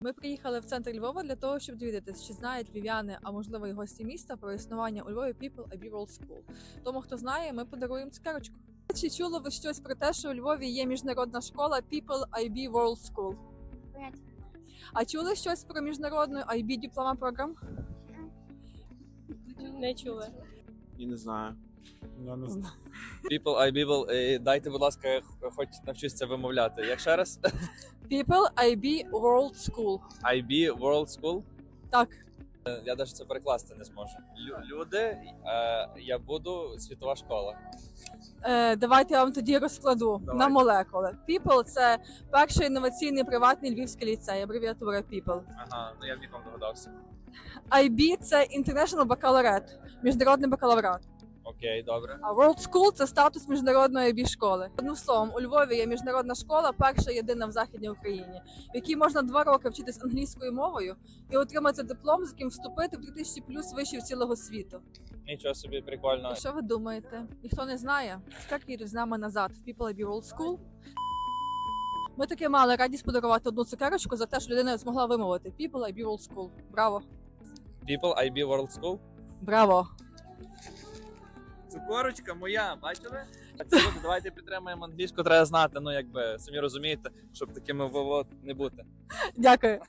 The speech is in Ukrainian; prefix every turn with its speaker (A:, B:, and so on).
A: Ми приїхали в центр Львова для того, щоб довідатися, чи знають львів'яни, а можливо і гості міста, про існування у Львові People IB World School. Тому, хто знає, ми подаруємо цукерочку. Чи чули ви щось про те, що у Львові є міжнародна школа People IB World School? А чули щось про міжнародну IB Diploma Program?
B: Не чули.
C: І не знаю. Я не знаю.
D: People, I People, дайте, будь ласка, я хоч навчусь це вимовляти. Як ще раз?
A: People IB World School.
D: IB World School?
A: Так.
D: Я навіть це перекласти не зможу. Люди, я буду світова школа.
A: Давайте я вам тоді розкладу
D: Давай.
A: на молекули. People – це перший інноваційний приватний львівський ліцей, абревіатура People.
D: Ага, ну я б нікому догадався.
A: IB – це International Baccalaureate, міжнародний бакалаврат.
D: Окей, добре.
A: А World School – це статус міжнародної IB школи. Одним словом, у Львові є міжнародна школа, перша єдина в Західній Україні, в якій можна 2 роки вчитись англійською мовою і отримати диплом, з яким вступити в 3000 плюс вишів цілого світу.
D: Нічого собі, прикольно.
A: І що ви думаєте? Ніхто не знає? Скільки їдуть з нами назад в People IB World School? Ми таки мали радість подарувати одну цукерочку за те, що людина змогла вимовити People IB World School. Браво!
D: People, IB World School?
A: Браво!
D: Цукорочка моя, бачили? Так, це буде, давайте підтримаємо англійську, треба знати, ну якби, самі розумієте, щоб такими не бути.
A: Дякую!